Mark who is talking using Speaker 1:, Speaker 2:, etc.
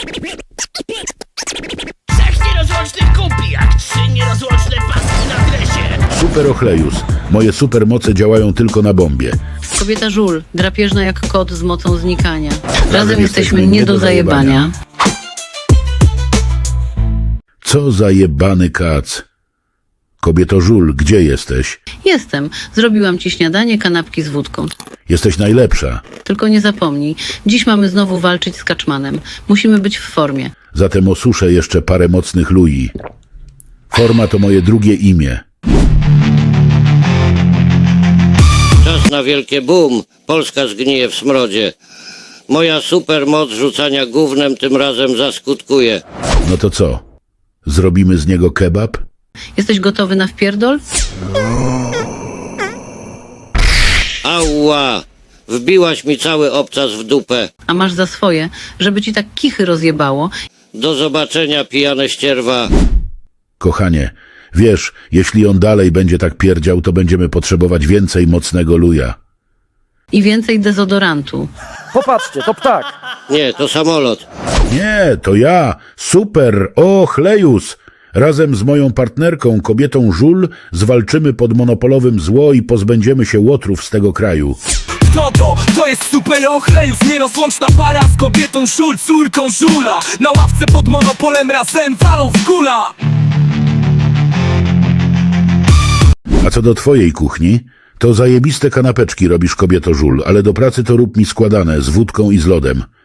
Speaker 1: Trzech nierozłącznych kumpli, jak trzy nierozłączne paski na dresie.
Speaker 2: Super Ochlejus. Moje supermoce działają tylko na bombie.
Speaker 3: Kobieta żul, drapieżna jak kot z mocą znikania. Razem jesteśmy nie do zajebania.
Speaker 2: Co za jebany kac. Kobieto żul, gdzie jesteś?
Speaker 3: Jestem. Zrobiłam ci śniadanie, kanapki z wódką.
Speaker 2: Jesteś najlepsza.
Speaker 3: Tylko nie zapomnij, dziś mamy znowu walczyć z Kaczmanem. Musimy być w formie.
Speaker 2: Zatem osuszę jeszcze parę mocnych lui. Forma to moje drugie imię.
Speaker 4: Czas na wielkie boom. Polska zgnije w smrodzie. Moja supermoc rzucania gównem tym razem zaskutkuje.
Speaker 2: No to co? Zrobimy z niego kebab?
Speaker 3: Jesteś gotowy na wpierdol?
Speaker 4: Ała! Wbiłaś mi cały obcas w dupę.
Speaker 3: A masz za swoje, żeby ci tak kichy rozjebało
Speaker 4: Do zobaczenia, pijane ścierwa.
Speaker 2: Kochanie, wiesz, jeśli on dalej będzie tak pierdział, to będziemy potrzebować więcej mocnego luja.
Speaker 3: i więcej dezodorantu.
Speaker 5: Popatrzcie, to ptak.
Speaker 4: Nie, to samolot.
Speaker 2: Nie, to ja, Super Ochlejus. Razem z moją partnerką, kobietą żul, zwalczymy pod monopolowym zło i pozbędziemy się łotrów z tego kraju.
Speaker 6: Kto to? To jest Super Ochlejus, nierozłączna para z kobietą żul, córką żula. Na ławce pod monopolem razem walą w kula.
Speaker 2: A co do twojej kuchni, to zajebiste kanapeczki robisz, kobieto żul, ale do pracy to rób mi składane, z wódką i z lodem.